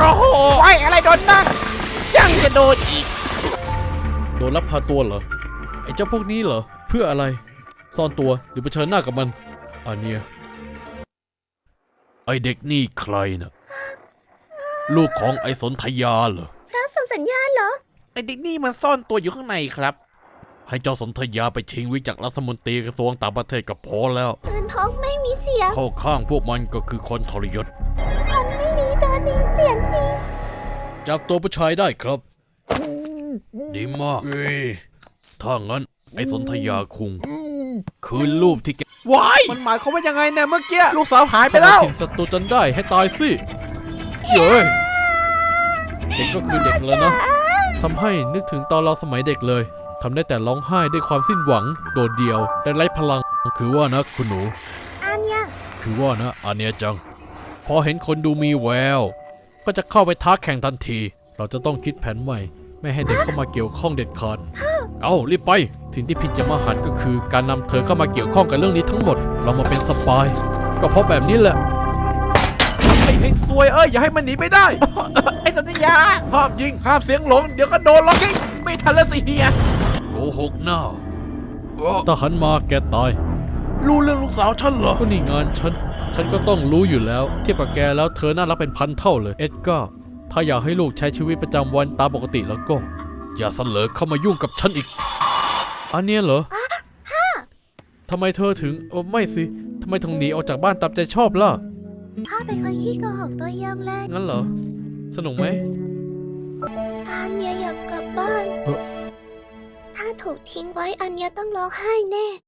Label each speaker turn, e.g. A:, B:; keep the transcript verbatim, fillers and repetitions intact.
A: อ้โหไอ้อะไรโดนนั่งยังจะโดนอีก
B: โดนลักพาตัวเหรอไอ้เจ้าพวกนี้เหรอเพื่ออะไรซ่อนตัวหรือเผชิญหน้ากับมันอันเนี้ยไอเด็กนี่ใครนะลูกของไอสนธยาเหรอ
C: พระส่งสัญญาณเหรอ
A: ไอเด็กนี่มันซ่อนตัวอยู่ข้างในครับ
B: ให้เจ้าสนธยาไปชิงวิจากรัฐมนตรีกระทรวงต่างประเทศก็พอแล้ว
C: ปืนพกไม่มีเสียง
B: เข้าข้างพวกมันก็คือคนทรยศ
C: ทำไม่ดีตัวจริงเสียงจริง
B: จับตัวผู้ชายได้ครับดีมากเอ้ยถ้างั้นไอสนธยาคุงคืนรูปที่แก
A: ว้ายมันหมายความว่ายังไงเนี่ยเมื่อกี้ลูกสาวหายไปแล้ว
B: ทิ้งศัตรูจนได้ให้ตายสิเย้ยเด็กก็คือเด็กแล้วนะทำให้นึกถึงตอนเราสมัยเด็กเลยทำได้แต่ร้องไห้ด้วยความสิ้นหวังโดดเดี่ยวและไร้พลังคือว่านะคุณหนู
C: อันเนี้ย
B: คือว่านะอันเนี้ยจังพอเห็นคนดูมีแววก็จะเข้าไปท้าแข่งทันทีเราจะต้องคิดแผนใหม่ไม่ให้เด็กเข้ามาเกี่ยวข้องเด็ดขาดเอารีบไปสิ่งที่ผิดจะมาหันก็คือการนำเธอเข้ามาเกี่ยวข้องกับเรื่องนี้ทั้งหมดเรามาเป็นสปายก็เพราะแบบนี้แหละ
A: ไอ้เฮงซวยเอ้ยอย่าให้มันหนีไปได้ ไอ้สัญญาห้ามยิงห้ามเสียงหลงเดี๋ยวก็โดนล็อกยิงไม่ทันแล้วสิเฮีย
B: โกหกหน้าถ้าหันมาแกตาย
A: รู้เรื่องลูกสาวฉันเหรอ
B: ก็นี่งานฉันฉันก็ต้องรู้อยู่แล้วเทียบกับแกแล้วเธอน่ารักเป็นพันเท่าเลยเอ็ดก้าถ้าอยากให้ลูกใช้ชีวิตประจำวันตามปกติแล้วก็อย่าเสลอเข้ามายุ่งกับฉันอีกอันเนี้ยเหรอทำไมเธอถึงเออไม่สิทำไมถึงหนีออกจากบ้านตามใจชอบล่ะ
C: พ่อเป็นคนขี้โกหกตัวยงเลย
B: งั้นเหรอสนุกไหม
C: อันเนี้ยอยากกลับบ้านถ้าถูกทิ้งไว้อันเนี้ยต้องร้องไห้แน่